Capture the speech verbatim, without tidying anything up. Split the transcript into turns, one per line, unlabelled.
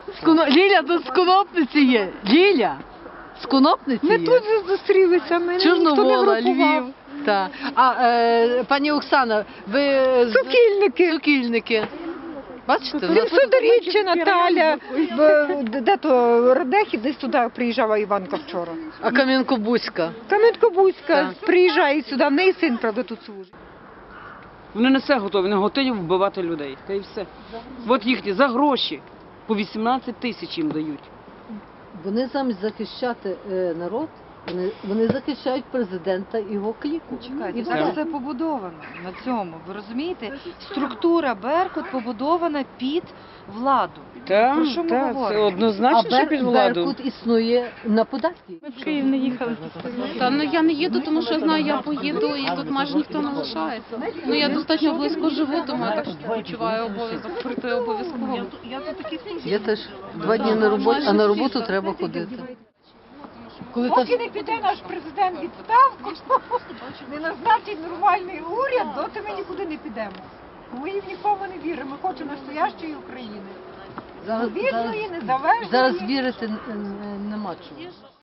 З Коно- Ліля тут з Конопниці є. Ліля, з Конопниці
Ми
є.
тут зустрілися, ми ніхто не
Чорновола,
групував.
Львів. Так. А е, пані Оксана, ви з
Сокільники.
Сокільники. Бачите, у нас
Судоріччя, Наталя, в- де то Радехи, десь туди приїжджала Іванка вчора.
а Кам'янко-Бузька.
Кам'янко-Бузька
Так.
приїжджає сюди, в неї син, правда, тут служить.
Вони не все готові, вони готові вбивати людей. Та й все. От їхні за гроші. По вісімнадцять тисяч їм дають.
Вони замість захищати е, народ, вони, вони захищають президента і його кліку.
Чекайте,
І
так
все.
все побудовано на цьому. Ви розумієте? Структура Беркут побудована під владу.
Так,
Про що ми
так, це
говоримо?
А
однозначно, що
Бер,
під владу.
Беркут існує на податки.
Ми в Київ не їхали. Та ну я не їду, тому що знаю, я поїду і тут майже ніхто не лишається. Ну я достатньо близько живу, тому я так відчуваю обов'язок прийти обов'язково.
Я теж два дні на роботі, а на роботу треба ходити. Коли та
Поки не піде наш президент в відставку, не назначить нормальний уряд, доти ми нікуди не підемо. Ми їм нікому не віримо, ми хочемо настоящої України.
зараз, зараз,
Вільної, незалежної.
зараз вірити н- н- нема чого.